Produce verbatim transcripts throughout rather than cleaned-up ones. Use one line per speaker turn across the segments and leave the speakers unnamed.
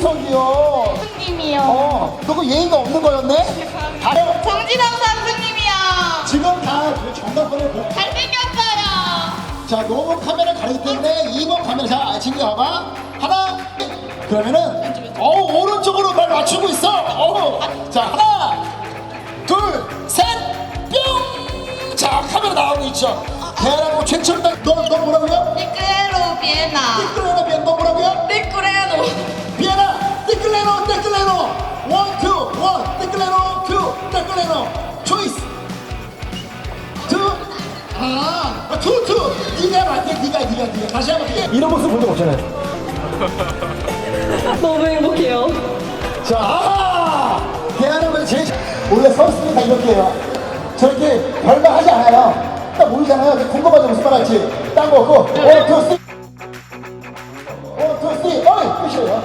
저기요.
선생님이요.
어, 너그 예의가 없는 거였네? 다른
정진영 선수님이요.
지금 다 정답번을 보.
잘생겼어요.
자, 너무 카메라 가리기 때문에 이 번 카메라 자, 친구 봐봐. 하나. 그러면은 어 오른쪽으로 발 맞추고 있어. 어. 자, 하나, 둘, 셋, 뿅. 자, 카메라 나오고 있죠. 대한민국 최첨단. 너, 너 뭐라고요?
니크레로 비엔나.
띠끌레노 비엔 너 뭐라고요?
니크레로.
비에나 띠끌레노 띠끌레노 원, 투, 원 띠끌레노 투 띠끌레노 초이스 투 아, 아, 투, 투 네가 맞대 네가 네가 네가 다시 한번 이게 이런 모습 본 적 없잖아요.
너무 행복해요.
자, 아! 대한민국 제일 원래 선수들이 다 이렇게 해요. 저렇게 별말 하지 않아요. 딱 모르잖아요. 궁금하죠 무슨 말 할지. 딴 거 없고 원, 투, 쓰리 원, 투, 쓰리 어이 끝이에요.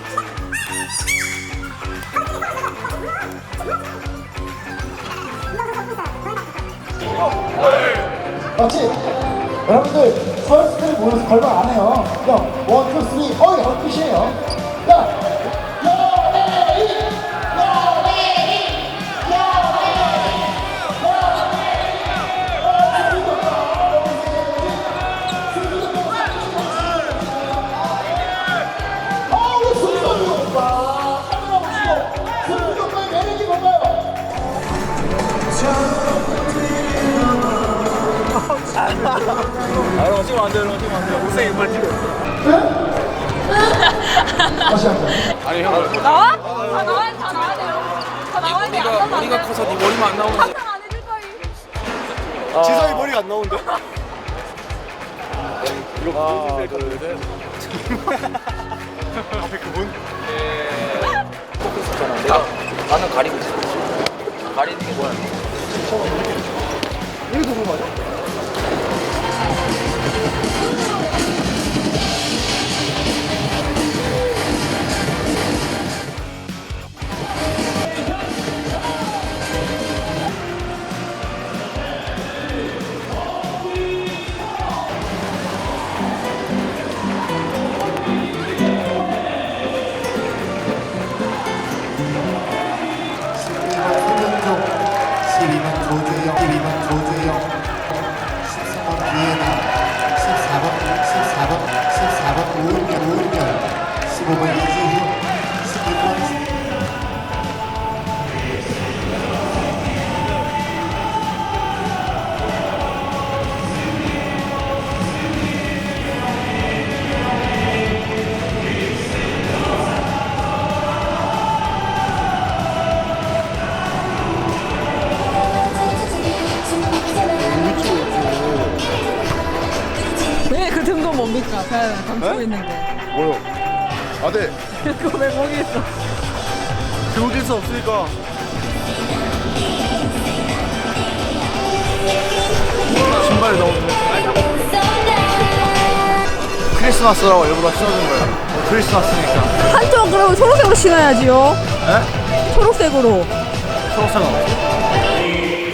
맞지? 여러분들 선수들이 모여서 걸말 안 해요. 그냥 원, 투, 쓰리 어이 어 끝이에요. 야! 여레이! 여레이! 아, 우리 승선이 오빠! 카메라 보시고 승선이 오빠의 매력이 뭔가요?
아, 이런 거 찍으면 안 돼, 이런 거 찍으면 안 돼. 못생긴 걸 찍어.
다시 한 번.
아니, 형.
나와? 다 나와야 다 나와야 돼요. 다 나와야 돼. 안
머리가,
나오면 안
머리가
돼.
커서 네 머리만 안 나오는데.
상상 안 해줄 거임.
지성이 머리가 안 나오는데? 이거 하나, 둘, 셋. 앞에 그분? 네. 포커스잖아. 내가 나는 가리고 있어. 가리는 게 뭐야? 이거 누구 맞아?
십이 번 조재영, 십이 번 조재영, 십삼 번 비에나, 십사 번, 십사 번, 십사 번 오은결, 오은결, 십오 번 이지훈, 십육 번
왜 그 등도 뭡니까? 그냥 감추고 있는데.
뭐요? 아, 네.
그거 왜 거기 있어?
들어올 수 없으니까. 신발이 너무 크리스마스라고 일부러 신어준 거야. 크리스마스니까.
한쪽 그러면 초록색으로 신어야지요.
에?
초록색으로.
초록색.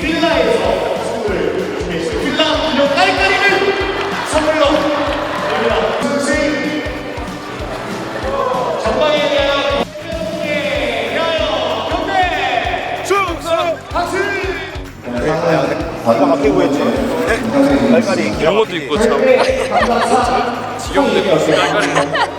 아까 막히고 했지. 깔깔이
이런 것도 있고 참 지겹네. 깔깔이.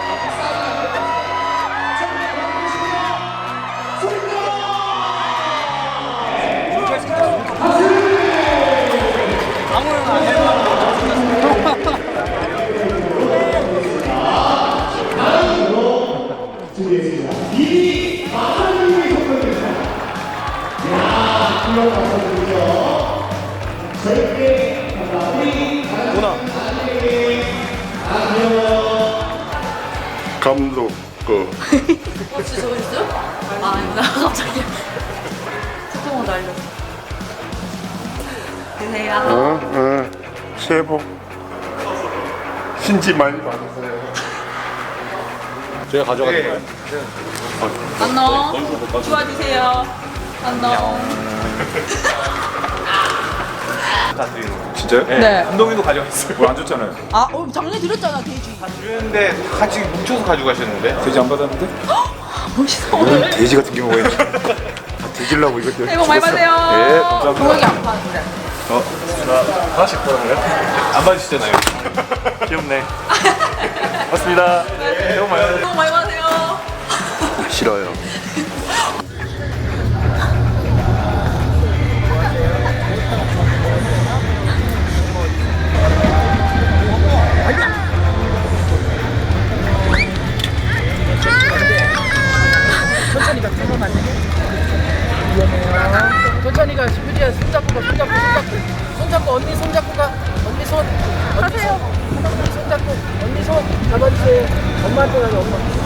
감독 거
어, 진짜 저거 있어요? 아, 나 갑자기 스토어 날렸어. 드세요.
어? 어. 새해 복 신지 많이 받으세요.
제가 가져가는 거예요.
안녕. 좋아주세요. 안녕.
다 드리는 거예요.
진짜요?
네.
네.
한동이도 가져갔어요.
뭐 안 줬잖아요.
아, 어, 작년에 드렸잖아, 돼지.
다 드렸는데 다 같이 뭉쳐서 가져가셨는데.
돼지 안 받았는데?
멋있어.
이런 돼지 같은 경우가 있네. 다 뒤질라고 이거
새해 복 많이
죽었어.
받으세요.
예, 감사합니다.
동혁이 안 파는데.
어? 하나씩 받았나요? 안 받으시잖아요. 귀엽네. 맞습니다. 새해 복 많이 받으세요.
새해 복 많이 받으세요.
싫어요.
천천히 가, 휴지야. 손잡고 가, 손잡고, 손잡고. 손잡고, 언니 손잡고 가. 언니 손. 언니 손. 언니 손 잡고, 언니 손 잡아주세요. 엄마한테 가자, 엄마.